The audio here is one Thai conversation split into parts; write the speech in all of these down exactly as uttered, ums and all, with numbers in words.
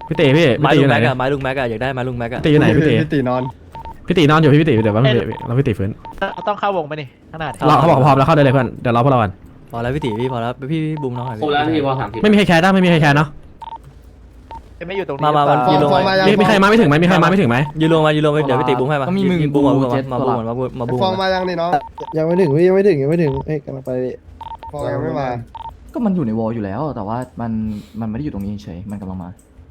พี่ตีพี่ไม้พี่ตีลุอง ยู่ไหนแม็กเนี่ยอะไม้ลุงแม็กอะอยากได้ไม้ลุงแม็กอะตีอยู่ไหนพี่ตีพี่ตีนอนพี่ตีนอนอยู่พี่ตีเดี๋ยวว่าพี่ตีเราพี่ตีฟื้นต้องเข้าวงไปนี่ขนาดเราเขาบอกพร้อมแล้วเข้าได้เลยเพื่อนเดี๋ยวรอพวกเรากันพอแล้วพี่ตีพี่พอแล้วพี่พี่บูมน้องหน่อยครบแล้วพี่วอลสามสิบไม่มีใครแคร์ได้ไม่มีใครแคร์เนาะไม่อยู่ตรงนี้มามามันฟอยืร์นมลงฟอร์มมามายังมีมีใครมาไม่ถึงไหมมีใครมาไม่ถึงไหมยืนลงมายืนลงไปเดี๋ยวพี่ตีบูมให้มามีมึงยืนบูมก่อนกูบูมก่อนเจ็ดมาบูมก่อนมาบูมมาบูมฟองมายังนี่น้องยังไม่ถึงพี่ยังไม่ถึงยังไม่ถึงเอ้ยกำลังไปพี่ฟองยังไม่มาก็มันอยู่ในวอลอยู่แล้ว แต่ว่ามันมันไม่ได้อยู่ตรงนี้เฉยมันกำลังมา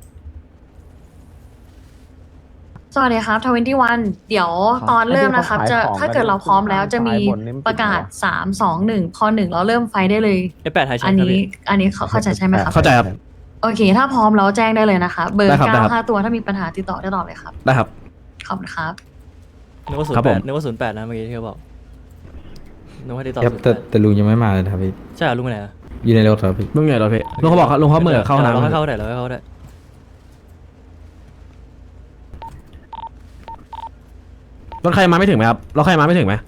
สวัสดีครับทเวนตี้วันเดี๋ยวตอนเริ่มนะครับ จะถ้าเกิดเราพร้อมแล้วจะมีประกาศสามสองหนึ่งพอหนึ่งเราเริ่มไฟได้เลยไอแปดไฮเช็อัคน ครับนี้พี่อันนี้เขาเข้าใจใช่ไหมครับเข้าใจครับโอเค ถ้าพร้อมแล้วแจ้งได้เลยนะคะ เบอร์ได้ครับได้เก้าครับห้าตัวถ้ามีปัญหาติดต่อได้ตลอดเลยครับได้ครับขอบคุณครับนึกว่าศูนครับย์แปผดมนึกว่าศูนย์แปดนะเมื่อกี้ที่เขาบอกนึกว่าได้ต่อครับศูนย์แต่แปดแต่ลุงยังไม่มาเลยครับพี่ใช่เหรอลุงไปไหนอะอยู่ในรถครับพี่ลุงใหญ่เราพี่ลุงเขาบอกลุงเขาเหมื่อเข้าห้องเราให้น้ำเข้าได้เราให้เข้าได้รถใครมาไม่ถึงไหมครับรถใครมาไม่ถึงไหม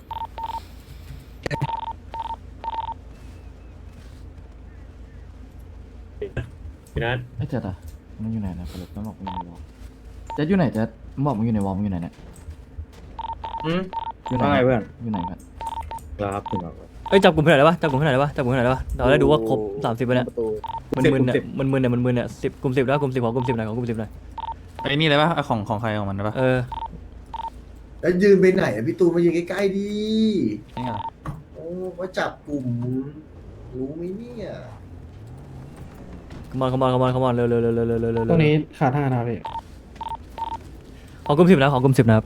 พี่นัทไอ้เจ็ดอะมันอยู่ไหนนะสรุปมันบอกมันอยู่ในวอลเจ็ดอยู่ไหนเจ็ดมันบอกมันอยู่ในวอลมันอยู่ไหนเนี่ยอืมอยู่ไหนว่าไงเพื่อนอยู่ไหนกันครับถึงแล้วครับเอ้ยจับกลุ่มเท่าไหร่ได้ปะจับกลุ่มเท่าไหร่ได้ปะจับกลุ่มเท่าไหร่ได้ปะเราได้ดูว่าครบสามสิบไปเนี่ยมันมึนเนี่ยมันมึนเนี่ยมันมึนเนี่ยสิบกลุ่มสิบแล้วกลุ่มสิบของกลุ่มสิบไหนของกลุ่มสิบไหนไอ้นี่เลยปะของของใครของมันปะเออแล้วยืนไปไหนอะพี่ตูนมายืนใกล้ๆดินี่ไงโอ้ว่าจับกลุ่มรู้ไหมเนี่ยขมอนขมอนขมอนขมอนเร็วเร็วเร็วเร็วเร็วเร็วเร็วตรงนี้ขาดห้านะพี่ของกลุ่มสิบนะของกลุ่มสิบนะครับ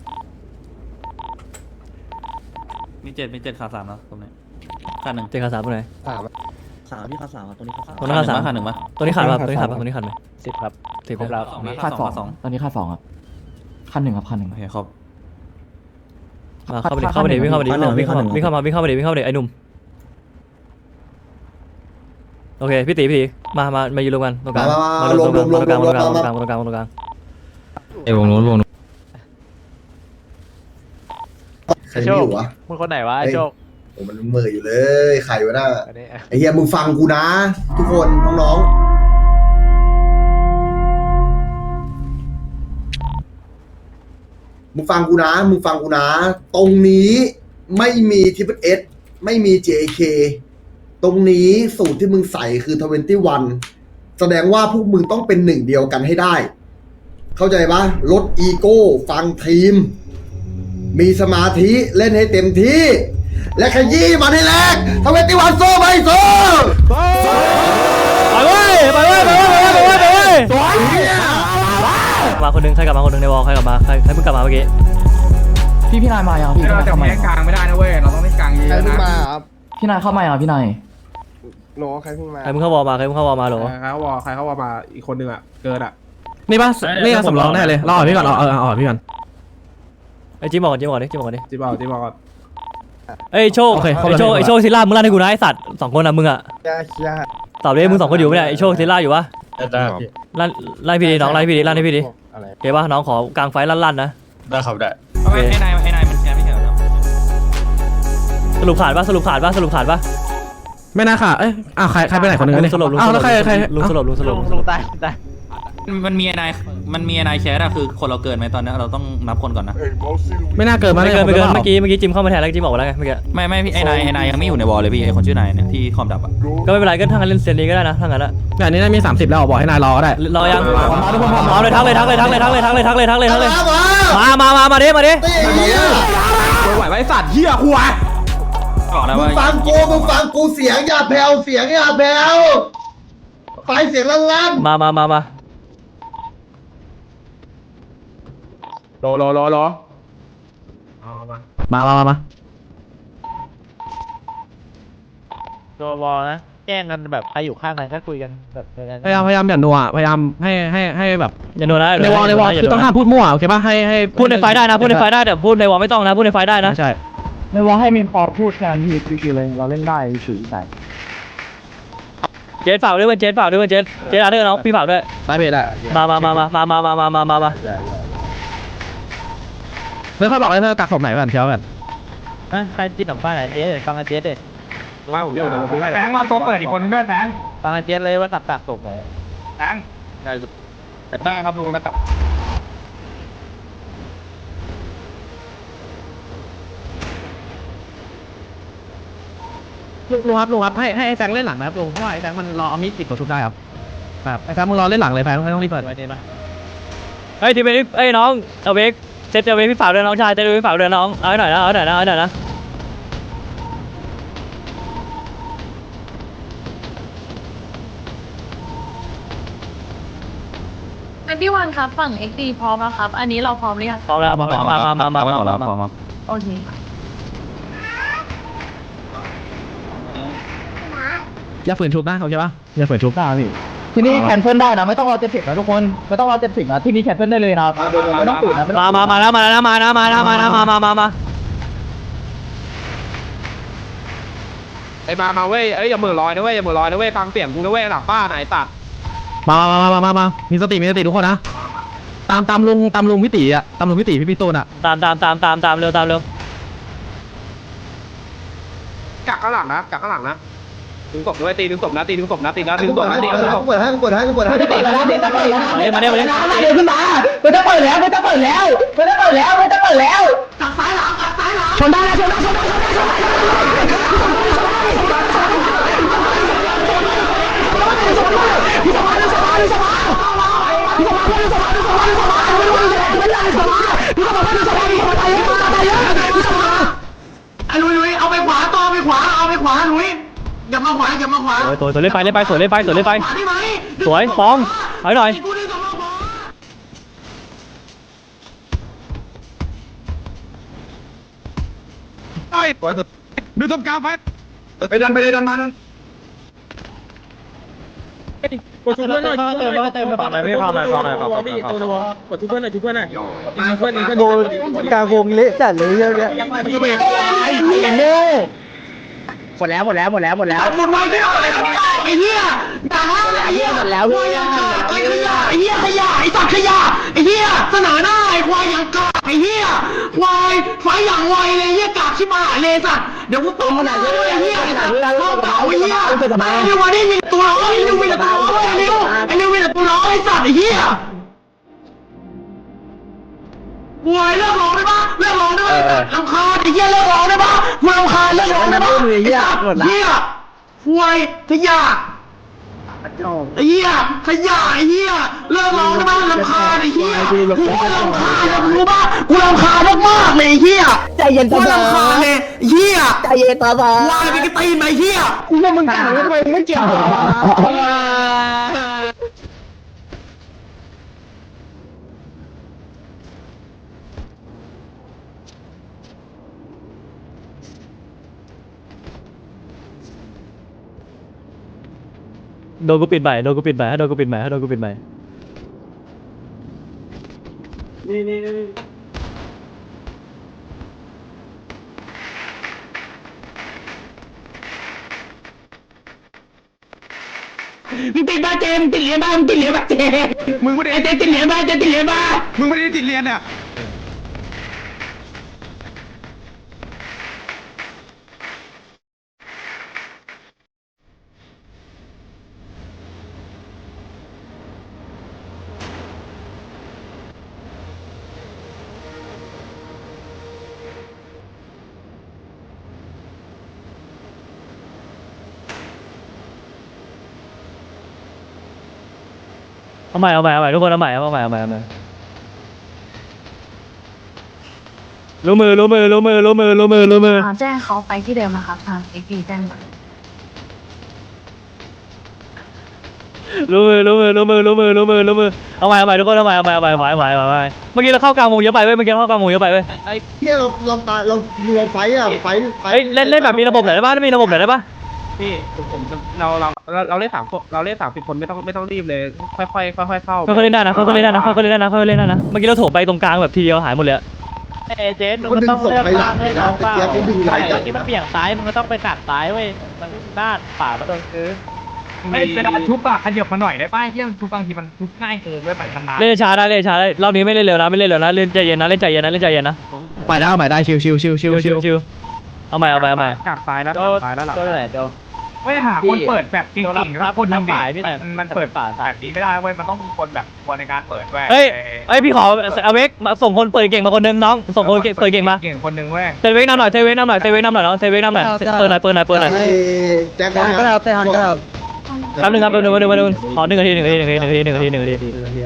มีเจ็ดมีเจ็ดขาสามแล้วตรงนี้ขาหนึ่งเจขาสามตัวไหนสามสามพี่ข้าสามตรงนี้ข้าสามตัวนั้นขาสามขาหนึ่งปะตัวนี้ขาดป่ะตัวนี้ขาดป่ะตัวนี้ขาดไหมสิบครับสิบครบแล้วสองค่าสองขาสองตอนนี้ค่าสองครับขั้นหนึ่งครับขั้นหนึ่งโอเคครบมาเข้าไปดิเข้าไปดิวิ่งเข้าไปดิวิ่งเข้ามาวิ่งเข้ามาวิ่งเข้ามาวิ่งเข้ามาดิวิ่งเข้ามาดิไอ้หนุ่มโอเคพี่ตีพี่ตีมามามายืนรวมกันตรงกลางมาตรงกลางมาตรงกลางมาตรงกลางมาตรงกลางมาตรงกลางไอ้วงนู้นวงนู้นใครไม่อยู่วะมึงคนไหนวะไอ้โชคโอ้มันเหม่ออยู่เลยใครวะน่ะอันนี้ไอ้เฮียมึงฟังกูนะ ทุกคนน้องๆมึงฟังกูนะมึงฟังกูนะ ตรงนี้ไม่มีทิปเอสไม่มี เจ เค ตรงนี้สูตรที่มึงใส่คือทเวนตี้วันแสดงว่าพวกมึงต้องเป็นหนึ่งเดียวกันให้ได้ เข้าใจปะลดอีโก้ฟังทีม มีสมาธิเล่นให้เต็มที่ และขยี้มันให้แรกทเวนตี้วันโซ่ไปโซ่ไปเว้ยไปเว้ยไปเว้ยไปเว้ยไปเว้ยมาคนนึงใครกลับมาคนนึงในวอลใครกลับมาใครใครเพิ่งกลับมาเมื่อกี้พี่พี่นายมายังพี่พี่นายเข้ามายังใครเพิ่งมาครับพี่นายเข้ามายังพี่นายโนใครเพิ่งมาใครเพิ่งเข้าวอลมาใครเพิ่งเข้าวอลมาเหรอใครเขาวอใครเขาวอมาอีกคนนึงอ่ะเกินอ่ะนี่ป่ะนี่สำรองแน่เลยรอพี่ก่อนรอเออรอพี่ก่อนไอ้จิมบอกก่อนจิมบอกก่อนดิจิมบอกก่อนดิจีบอกจีบอกก่อนเอ้ยโชคโอเคไอ้โชคไอ้โชคซิล่ามึงลั่นให้กูนะไอ้สัตว์สองคนอ่ะมึงอ่ะยาชาตอบเลยมึงสองคนอยู่ไหมเนี่ยไอ้โชคซิล่าอยู่ปะได้พี่ลั่นไล่พี่ดิน้องไล่พี่ดิลั่นให้พี่ดิอะไรโอเคปะน้องขอกลางไฟลั่นๆนะได้ครับได้ทำไมไอ้นายไอ้นายมันแค่ไม่ใช่เหรอสรุปขาดปะสรุปขาดปะสรุปขาดปะไม่น่าค่ะเอ้ยอ้าวใครใครไปไหนคนนึงเนี่ยสรุปลุงอ้าวแล้วใครใครลุงสรุปลุงสรุปลลุงงสลรุงปใต้ใต้มันมีไอ้นายมันมีไอ้นายแคสอะคือคนเราเกินไหมตอนนี้เราต้องนับคนก่อนนะไม่น่าเกินมาไม่เกินไม่เกินผเมื่อกี้เมื่อกี้จิมเข้ามาแทนแล้วจิมบอกไปแล้วไงเมื่อกี้ไม่ไม่พี่ไอ้นายไอ้นายยังไม่อยู่ในวอลเลยพี่ไอ้คนชื่อนายเนี่ยที่คอมดับอะก็ไม่เป็นไรก็ทั้งนั้นเล่นเซนนี้ก็ได้นะทั้งนั้นอะงานนี้น่ามีสามสิบแล้วบอกให้นายรอก็ได้รอยังมาทุกคนพร้อมพร้อมเลยทักเลยทักเลยทักเลยทักเลยทักเลยทักเลยทักเลยทักเลยมามามามามามาดิมาดิตีเฮียไหวไว้สัตว์เฮียหัวบอกแล้วมึว่างฟังกูมึงฟังกูเสียงอย่าแผ่วเสียงอย่าแผ่วไฟเสียงลั่นๆมามามามารอรอรอรอมามามามาตัววอลนะแกล้งกันแบบใครอยู่ข้างไหนก็คุยกันแบบพยายามพยายามอย่านัวพยายามให้ให้ให้แบบอย่าโดนนะในวอลในวอลคือต้องห้ามพูดมั่วโอเคป่ะให้ให้พูดในไฟได้นะพูดในไฟได้แต่พูดในวอลไม่ต้องนะพูดในไฟได้นะใช่ในวอลให้มีพอพูดแทนที่คือเลยเราเล่นได้ถือแต่เจนฝากด้วยเว้ยเจนฝากด้วยเว้ยเจนเจนอาร์เดอร์น้องพี่ฝากด้วยได้เพจได้มามามามามามามามามามาเพื่อนเขาบอกเลยเพื่อนกักศพไหนกันเชียวกันใครติดหนังฟ้าไหนเจ๊ฟังอาเจ๊เด็ดว่าผมเดี๋ยวเดี๋ยวผมไปให้แฟงมาตัวเปิดอีกคนด้วยแฟงฟังอาเจ๊เลยว่าตัดปากตกไหนแฟงได้ครับลุงนะครับลุงลุงครับลุงครับให้ให้ไอ้แฟงเล่นหลังนะครับลุงเพราะว่าไอ้แฟงมันรอเอามีดติดตัวทุบได้ครับแบบไอ้แฟงมึงรอเล่นหลังเลยแฟงไม่ต้องรีบเปิดไว้เดนปะเฮ้ยทีมเป็นเอ้ยน้องเอาเวกเซตเอาเวกพี่ฝากด้วยน้องชายเซตเอาเวกพี่ฝากด้วยน้องเอาให้หน่อยนะเอาให้หน่อยนะเอาให้หน่อยนะเป็นที่วันครับฝั่ง เอ็กซ์ ดี พร้อมแล้วครับ อันนี้เราพร้อมหรือยังพร้อมแล้วมามามามามามามามาโอเคอย่าฝืนทุบนะโอเคปะอย่าฝืนทุบได้พี่ที่นี่แคนเซิลได้นะไม่ต้องรอเจ็ดสิบนะทุกคนไม่ต้องรอเจ็ดสิบนะที่นี่แคนเซิลได้เลยนะไม่ต้องตื่นนะไม่ต้องมามามาแล้วมาแล้วมาแล้วมาแล้วมาแล้วมามามามาไอ้มามาเว้ยเอ้ยอย่ามือลอยนะเว้ยอย่ามือลอยนะเว้ยฟังเสียงกูนะเว้ยหลังป้าไหนตัดมามามามามามามีสติมีสติทุกคนนะตามตามลุงตามลุงพิติอ่ะตามลุงพิติพี่พี่ตูนอ่ะตามตามตามตามตามเร็วตามเร็วกักข้างหลังนะกักข้างหลังนะดึงศพด้วยตีดึงศพนะตีดึงศพนะตีนะดึงศพนะตีดึงศพเปิดให้เปิดให้เปิดให้ไม่ต้องเปิดแล้วไม่ต้องเปิดแล้วมาเนี่ยมาเนี่ยมาเนี่ยเดี๋ยวขึ้นมาไม่ต้องเปิดแล้วไม่ต้องเปิดแล้วไม่ต้องเปิดแล้วไม่ต้องเปิดแล้วตักซ้ายหลังตักซ้ายหลังชนได้ชนได้ชนได้ชนได้ชนได้ลุยลุยเอาไปขวาต่อไปขวาเอาไปขวาลุยอย่ามาขวาอย่ามาขวาสวยสวยสวยเล่นไปเล่นไปสวยเล่นไปสวยเล่นไปสวยฟองถอยหน่อยไอ้ตัวดูต้มกาไฟไปดันไปเลยดันมาดันกดทุบเพื่อนหน่อยเติมเติมฟังหน่อยพี่ฟังหน่อยฟังหน่อยฟังหน่อยกดทุบเพื่อนหน่อยทุบเพื่อนหน่อยเพื่อนนี้ก็โดนกางวงเละจัดเลยเยอะแยะหมดแล้วหมดแล้วหมดแล้วหมดแล้วหมดไวไม่เอาอะไรไอ้เหี้ยด่าไอ้เหี้ยหมดแล้วไอ้ขยะไอ้เหี้ยขยะไอ้สัตว์ขยะไอ้เหี้ยเสนอหน้าไอ้ควายอย่างกากไอ้เหี้ยควายไฟอย่างไวเลยเหี้ยกากชิบหายเลยสัตว์เดี๋ยวกูตบมันเลยไอ้เหี้ยไอ้สัตว์เข้าเต่าไอ้เหี้ยไอ้นิววันนี้มีตัวร้อยไอ้นิวมีแต่ตัวร้อยไอ้นิวไอ้นิวมีแต่ตัวร้อยไอ้สัตว์ไอ้เหี้ยป่วยเลิกร้องได้ปะเลิกร้องได้ปะรำคาญไอ้เหี้ยเลิกร้องได้ปะมึงรำคาญเลิกร้องได้ปะไอ้เหี้ยเหี้ยป่วยขยะไอ้เหี้ยขยะไอ้เหี้ยเลิกร้องได้ปะรำคาญไอ้เหี้ยกูรำคาญนะมึงรู้ปะกูรำคาญมากๆเลยไอ้เหี้ยใจเย็นตาบอรำคาญเลยเหี้ยใจเย็นตาบอวายไปกระตีนไปเหี้ยกูว่ามึงต่างกันทำไมมึงไม่เกี่ยวโดนกูปิดใหม่โดนกูปิดใหม่ให้โดนกูปิดใหม่ให้โดนกูปิดใหม่นี่นี่นี่มึงติดบ้าเจมติดเหรียญบ้ามึงติดเหรียญบ้าเจมมึงไม่ได้เจติดเหรียญบ้าเจติดเหรียญบ้ามึงไม่ได้ติดเรียนเนี่ยเอาใหม่เอาใหม่เอาใหม่ทุกคนเอาใหม่เอาใหม่เอาใหม่เอาใหม่รู้มือรู้มือรู้มือรู้มือรู้มือรู้มืออ่าแจ้งเขาไปที่เดิมนะครับทาง เอ็กซ์ ดี แจ้งมารู้มือรู้มือรู้มือรู้มือรู้มือรู้มือเอาใหม่เอาใหม่ทุกคนเอาใหม่เอาใหม่เอาใหม่เอาใหม่เอาใหม่เอาใหม่เมื่อกี้เราเข้ากลางวงเยอะไปเว้ยเมื่อกี้เราเข้ากลางวงเยอะไปเว้ยไอ้เหี้ยเราเราตายเราเราไฟอ่ะไฟไฟเฮ้ยเล่นเล่นแบบมีระบบหน่อยได้ป่ะมีระบบหน่อยได้ป่ะพี่ผมเราเราเราเราเล่นสามคนเราเล่นสามสิบคนไม่ต้องไม่ต้องรีบเลยค่อยค่อยค่อยค่อยเข้าค่อยๆเล่นได้นะค่อยๆเล่นได้นะค่อยๆเล่นได้นะค่อยๆเล่นได้นะเมื่อกี้เราโถมไปตรงกลางแบบทีเดียวหายหมดเลยเอเจนมึงก็ต้องเลือกทางให้น้องเปล่าไอ้ที่มันเบี่ยงซ้ายมึงก็ต้องไปกัดซ้ายเว้ยมันด้านป่ามันโดนคือไม่เวลาทุบอะขยับมาหน่อยได้ป่ะที่มันทุบบางทีมันทุบง่ายเกินด้วยไปขนาดเล่นช้าได้เล่นช้าได้รอบนี้ไม่เล่นเร็วนะไม่เล่นเร็วนะเล่นใจเย็นนะเล่นใจเย็นนะเล่นใจเย็นนะไปได้เอาใหม่ได้ชิวชิวชิวชิวชิวชิวเอาใหม่เอาใหม่เอาใหม่กากซ้ายแล้วโดซ้ายแล้วหลังโดนไหนโดนไม่หาคนเปิดแบบเก่งๆครับคนทำฝ่ายพี่แต่มันเปิดฝาแบบนี้ไม่ได้เว้ยมันต้องมีคนแบบคนในการเปิดเว้ยเฮ้ยเฮ้ยพี่ขอเอาเวกมาส่งคนเปิดเก่งมาคนนึงน้องส่งคนเปิดเก่งมาเก่งคนนึงเว้ยเซเวกนำหน่อยเซเวกนำหน่อยเซเวกนำหน่อยน้องเซเวกนำหน่อยเปิดหน่อยเปิดหน่อยเปิดหน่อยแจ็คก็แล้วแต่ฮันก็แล้วแป๊บนึงครับแป๊บนึงแป๊บนึงแป๊บนึงขอหนึ่งนาทีหนึ่งนาทีหนึ่งนาทีหนึ่งนาทีหนึ่งนาทีหนึ่งนาที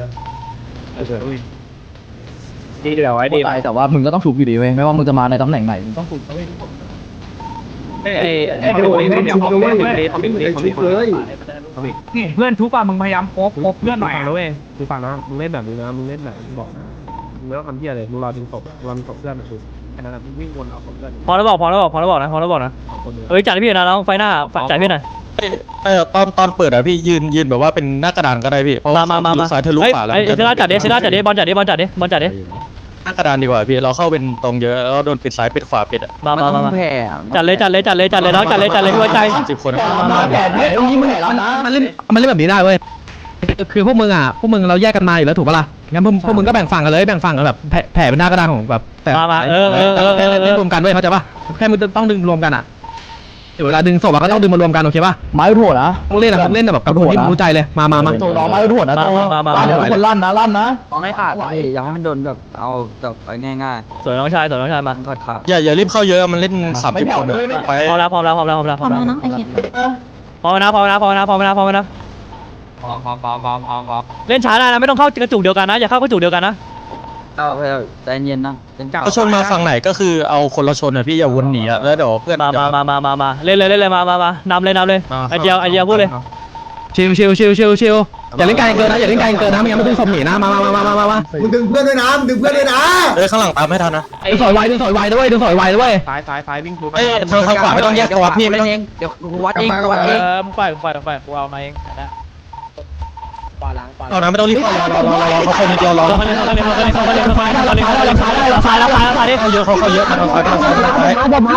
ดีเดี๋ยวไว้ดีแต่ว่ามึงก็ต้องถูกอยู่ดีเว้ยไม่ว่ามึงจะมาในตำแหน่งไหนมึงต้องถูกไอ้ไอ้ดูนี่เดี๋ยวผมเล่นเล่นผมเล่นผมเล่นเลยนี่เพื่อนทุกป่ะมึงพยายามโคบโคบเพื่อนหน่อยฟังนะเว้ยมึงฟังนะมึงเล่นแบบนี้นะมึงเล่นแบบมึงบอกนะมึงไม่ต้องทำเพี้ยเลยมึงรอดึงศพรอดึงศพเพื่อนมาถูกแค่นั้นมึงวิ่งวนเอาศพเพื่อนพอแล้วบอกพอแล้วบอกพอแล้วบอกนะพอแล้วบอกนะเอ้ยจัดให้พี่นะน้องไฟหน้าจัดพี่หน่อยเออตอนตอนเปิดอะพี่ยืนยืนแบบว่าเป็นหน้ากระดานก็ได้พี่เพราะมาว่ามามามาสายทะลุเฮ้ยป่าแล้วไอ้เซล่าจัดดิเซล่าจัดดิบอลจัดดิบอลจัดดิบอลจัดดิหน้ากระดานดีกว่าพี่เราเข้าเป็นตรงเยอะแล้วโดนปิดซ้ายปิดขวาปิดอะมามามาจัดเลยจัดเลยจัดเลยจัดเลยน้องจัดเลยจัดเลยพี่ไว้ใจสิบคนมันเล่นมันเล่นแบบนี้ได้เว้ยคือพวกมึงอ่ะพวกมึงเราแยกกันมาอยู่แล้วถูกปะล่ะงั้นพวกพวกมึงก็แบ่งฝั่งกันเลยแบ่งฝั่งกันแบบแผ่แผ่เป็นหน้ากระดานของแบบแต่มามาเออเออเออเออเล่นรวมกันเว้ยเข้าใจปะแค่มึงต้องดึงรวมกันอ่ะเดี๋ยวเวลาดึงศพอะก็ต้องดึงมารวมกันโอเคปะไม้ถั่วนะมึงเล่นอะมึงเล่นแบบกับคนที่มึงรู้ใจเลยมามามาน้องไม้ถั่วนะมามามาคนลั่นนะลั่นนะต้องให้ขาดอย่าให้มันโดนแบบเอาแบบง่ายสวยน้องชายสวยน้องชายมาๆขาดขาดอย่าอย่ารีบเข้าเยอะมันเล่นสามสิบคนอะไปพร้อมแล้วพร้อมแล้วพร้อมแล้วพร้อมแล้วพร้อมแล้วน้องไอเคนพร้อมนะพร้อมนะพร้อมนะพร้อมนะพร้อมนะพร้อมพร้อมพร้อมพร้อมพร้อมพร้อมเล่นช้าได้นะไม่ต้องเข้ากระจุกเดียวกันนะอย่าเข้ากระจุกเดียวกันนะเอาไปใจเย็นนะเป็นเก่าเขาชนมาฝั่งไหนก็คือเอาคนละชนอะพี่อย่าวนหนีอะแล้วเดี๋ยวเพื่อนมามามามามามาเล่นเลยเล่นเลยมามา มานำเลยนำเลยไอเจียวไอเจียวพูดเลยชิวชิวชิวชิวชิวอย่าเล่นไกลเกินนะอย่าเล่นไกลเกินนะไม่งั้นมันดึงศพหนีนะมามามามามามามึงดึงเพื่อนด้วยนะมึงดึงเพื่อนด้วยนะเอ้ยข้างหลังตามไม่ทันนะดึงสอยไวดึงสอยไวด้วยดึงสอยไวด้วยซ้ายซ้ายซ้ายวิ่งทุบเอ้ยทางทางขวาไม่ต้องแยกกันวัดพี่ไม่ต้องเองเดี๋ยวกูวัดเองกูวัดเอเองอมึงปล่อยมึงปล่อยมึงปล่อยกูเอามาเองนะปล่อยล้างปล่อยเอานะไม่ต้องรีบเข้ารอรอรอรอรอเขาคนนิดเดียวรอเขาเล่นเขาเล่นเขาเล่นเขาเล่นเขาเล่นเขาเล่นเขาเล่นเขาเล่นเขาเล่นซ้ายแล้วซ้ายแล้วซ้ายดิเขาเยอะเขาเขาเยอะมันเอาซ้ายมันเอาซ้ายมันเอาซ้าย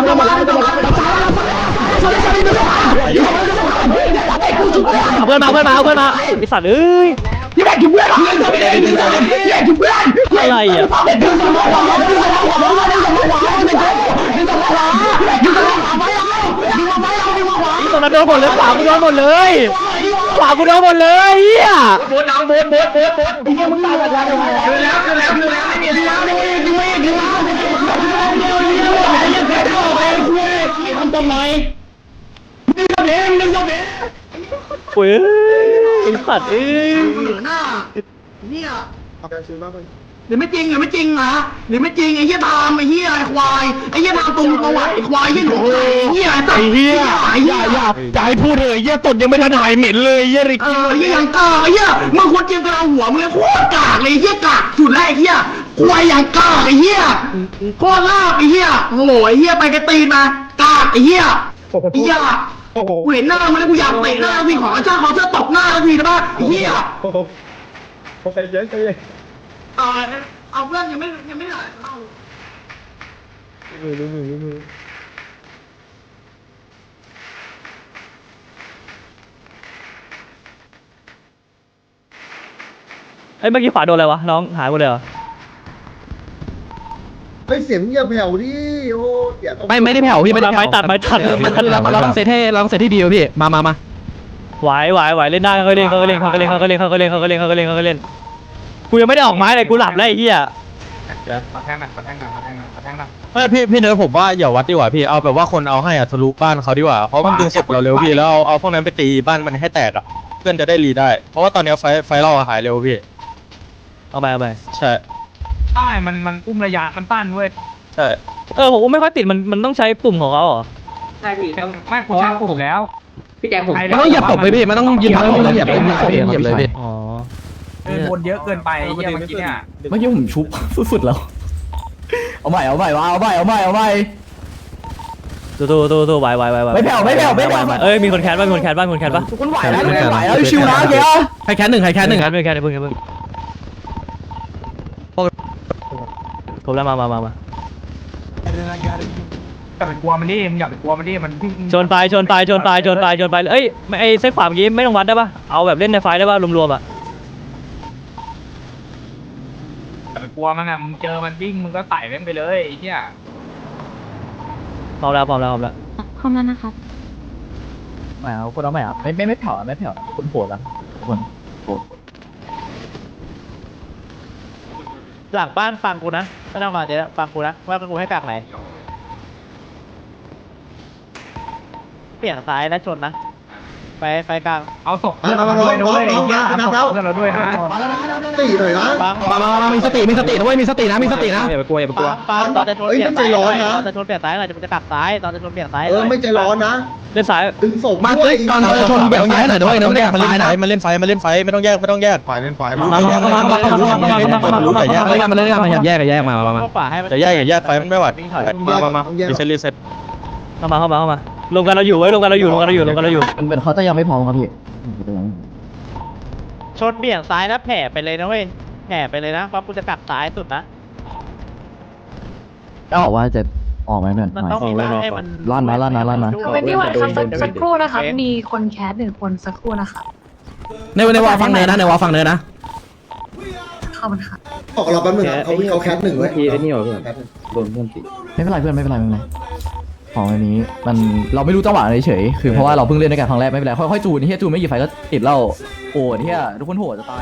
เอาเพื่อนมาเพื่อนมาเอาเพื่อนมาไอสัตว์เอ้ยอะไรอ่ะตรงนั้นโดนหมดเลยขวากูโดนหมดเลยขวากูโดนหมดเลยเฮียบนน้องบนบนบนบนไอ้เหี้ยมึงตายแบบแล้วคือแล้วคือแล้วคือแล้วไม่มีแล้วไม่มีคือไม่คือแล้วไอ้เหี้ยแพ้ก็ออกเองคุยทำต้นไม้ดึงกับเองดึงกับเองโอ้ยไอสัตว์เอ้ยหน้าเนี่ยหรือไม่จริงหรือไม่จริงเหรอหรือไม่จริงไอ้เหี้ยทามไอ้เหี้ยไอ้ควายไอ้เหี้ยทามตรงประวัติไอ้ควายไอ้เหี้ยหนูไอ้เหี้ยไอ้ตัดไอ้เหี้ยไอ้เหี้ยจะให้พูดเลยเยี่ยตดยังไม่ทันหายเหม็นเลยเยี่ยริกเออไอ้เหี้ยยังกากไอ้เหี้ยมึงควรเจียมกระหัวมึงเลยโคตรกากเลยไอ้เหี้ยกากสุดแล้วไอ้เหี้ยควายอย่างกากไอ้เหี้ยโคตรลาบไอ้เหี้ยโอ้โหไอ้เหี้ยไปกระตีนมากากไอ้เหี้ยไอ้เหี้ยกูเห็นหน้ามันแล้วกูอยากเตะหน้าพี่ขอเจ้าขอเจ้าตบหน้าแล้วพี่นะบ้าไอ้เหี้ยใจเย็นใจเย็นเอาเอาเพื่อนยังไม่ยังไม่หายเอาไอ้เมื่อกี้ขวาโดนอะไรวะน้องหายหมดเลยเหรอเฮ้ยเสียงอย่าแผ่วดิโอ้เดี๋ยวไม่ไม่ได้แผ่วพี่ไม่ได้ไม้ตัดไม้ตัดเราเราต้องเซตให้เราต้องเซตให้ดีพี่มามามาไหวไหวไหวเล่นได้เขาเล่นเขาเล่นเขาเล่นเขาเล่นเขาเล่นเขาเล่นเขาเล่นเขาเล่นกูยังไม่ได้ออกไม้เลยกูหลับแล้วไอ้เหี้ยขอแทงหน่อยขอแทงหน่อยขอแทงหน่อยขอแทงหน่อยเฮ้ยพี่พี่เนิร์ดผมว่าอย่าวัดดีกว่าพี่เอาแบบว่าคนเอาให้อะทะลุบ้านเขาดีกว่าเพราะมันดึงศพเราเร็วพี่แล้วเอาเอาพวกนั้นไปตีบ้านมันให้แตกอะเพื่อนจะได้รีได้ เพราะว่าตอนนี้ไฟไฟเราหายเร็วพี่เอาไปเอาไปใช่ใช่มันมันอุ้มระยะมันตั้นเว้ยใช่เออผมไม่ค่อยติดมันมันต้องใช้ปุ่มของเขาเหรอใช่พี่ไม่ผมชักผมแล้วพี่แจ็คผมมันต้องเหยียบตบไปพี่มันต้องยิงมันต้องเหยียบเหยียบเลยพี่อ๋อเดินวนเยอะเกินไปเหี้ยเมื่อกี้เนี่ยเมื่อกี้ผมชุบสุดๆแล้วเอาใหม่เอาใหม่วะเอาใหม่เอาใหม่เอาใหม่ตู้ตู้ตู้ตู้ไหวไหวไหวไหวไม่แผ่วไม่แผ่วไม่แผ่วเอ้ยมีคนแคสบ้างมีคนแคสบ้างมีคนแคสบ้างคุณไหวแล้วคุณไหวแล้วชิวนะเกียร์ใครแค่หนึ่งใครแค่หนึ่งแคสไม่แคสเพิ่งเพิ่งครบแล้วมามามามาอย่าไปกลัวมันดิมึงอย่าไปกลัวมันดิมันวิ่งชนไปชนไปชนไปชนไปชนไปเอ้ยไอ้เส้นขวาเมื่อกี้ไม่ต้องวัดได้ปะเอาแบบเล่นในไฟได้ปะรวมๆอ่ะอย่าไปกลัวมันอ่ะมึงเจอมันวิ่งมึงก็ไต่แม่งไปเลยไอ้เหี้ยพร้อมแล้วพร้อมแล้วพร้อมแล้วพร้อมแล้วนะครับไม่เอาคนเอาไม่เอาไม่ไม่ไม่เผาไม่เผาคนโผล่ละคนโผล่หลังบ้านฟังกูนะไม่ต้องมาเดี๋ยวฟังกูนะว่ากูให้กากไหนเปลี่ยนซ้ายแล้วชนนะไฟไฟกลางเอาศพมามามาด้วยด้วยเอาเอาเราด้วยนะตีหน่อยนะฟังมามามามีสติมีสตินะเว้ยมีสตินะมีสตินะอย่าไปกลัวอย่าไปกลัวฟังตอนจะชนเปลี่ยนซ้ายตอนจะชนเปลี่ยนซ้ายหน่อยจะจะกลับซ้ายตอนจะชนเปลี่ยนซ้ายเออไม่ใจร้อนนะเล่นซ้ายดึงศพมาเฮ้ยตอนชนแบบย้ายหน่อยด้วยน้องแดงมาตายเล่นไฟนะมาเล่นไฟมาเล่นไฟไม่ต้องแยกไม่ต้องแยกไฟเล่นไฟมามามามามามารู้แต่แยกมาเล่นกันมาเล่นกันมาแยกกันแยกมามามาเข้าป่าให้มันจะแยกอย่าแยกไฟมันไม่ไหวมามามารีเซ็ตรีเซ็ตเข้ามาเข้ามาเข้ามา รวมกันเราอยู่ไว้ยรวมกันเราอยู่รวมกันเราอยู่รวมกันเราอยู่มันเป็นเขาจะยังไม่พร้อมครับพี่ชนเบี่ยงซ้ายนะแผ่ไปเลยนะเว้ยแผ่ไปเลยนะเพราะกูจะกลับซ้ายสุดนะก็บอกว่าจะออกไหมเพื่อนมันต้องมีบ้างให้มันลั่นนะลั่นนะลั่นนะทเวนตี้วันครับสักสักครู่นะครับ มีคนแคสหนึ่งคนสักครู่นะคะในในวอลฟังเนินนะในวอลฟังเนินนะเข้ามันค่ะบอกเราแป๊บนึงเขาเขาแคสหนึ่งไว้ทีไอ้นี่เหรอเพื่อนโดนเพื่อนตีไม่เป็นไรเพื่อนไม่เป็นไรไม่เป็นไรของอันนี้มันเราไม่รู้จังหวะเฉยคือเพราะว่าเราเพิ่งเล่นด้วยกันครั้งแรกไม่เป็นไรค่อยๆจูนที่จูนไม่กี่ไฟก็ติดเหล้าโอ้ที่ทุกคนโหดจะตาย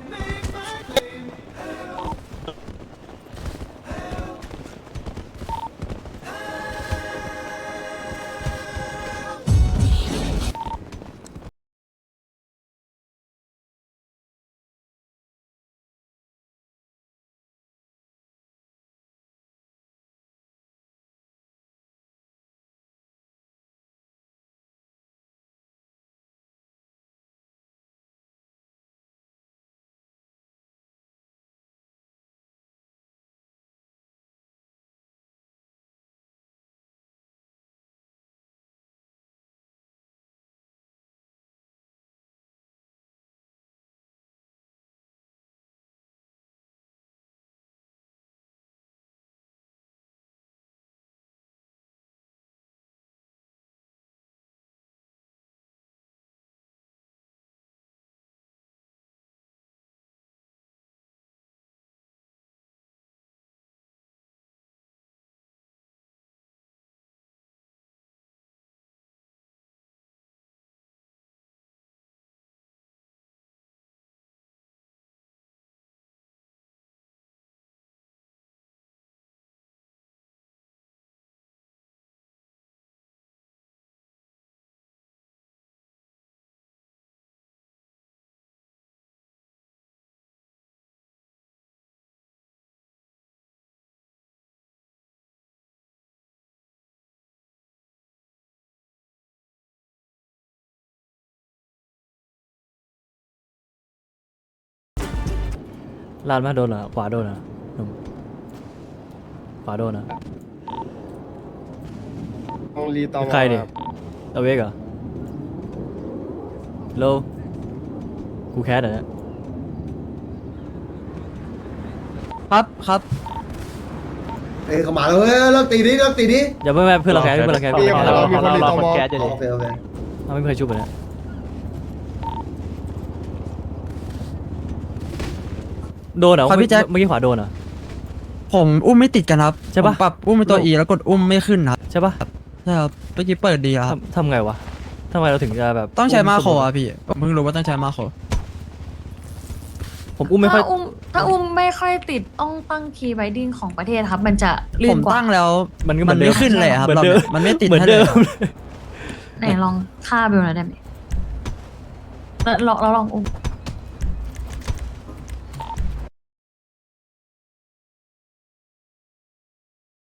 ลานมาโดนเหรอขวาโดนเหรอหนุ่มขวาโดนเหรอใครดิเอาเวกเหรอโลกูแคสเหรอเนี่ยครับครับเอ้ยเขามาแล้วเฮ้ยเลิกตีนี้เลิกตีนี้อย่าเพิ่งเพื่อนเราแคสเพื่อนเราแคสเพื่อนเราแคสเรามีคนรีตอมอโอเคโอเคเราไม่เคยชุบเลยนะโดนเหรอครับพี่แจ็คเมื่อกี้ขวาโดนเหรอผมอุ้มไม่ติดกันครับใช่ปะผมปรับอุ้มเป็นตัวอีแล้วกดอุ้มไม่ขึ้นครับใช่ปะใช่ครับเมื่อกี้เปิดดีครับทำทำไงวะทำไมเราถึงจะแบบต้องใช้มาโครอ่ะพี่ผมเพิ่งรู้ว่าต้องใช้มาโครผมอุ้มไม่ค่อยถ้าอุ้มถ้าอุ้มไม่ค่อยติดต้องตั้งคีย์ไบดิ้งของประเทศครับ มันจะลื่ผนมกว่าตั้งแล้วมันก็เหมืมัอน นเดิไม่มขึ้นเลยครับเหมือนรอบเดินี้มมันไม่ติดเหมือนให้เดิเลยมไหนลองฆ่าเบลหน่อยได้ไหมแล้วลองแล้วลองอุ้ม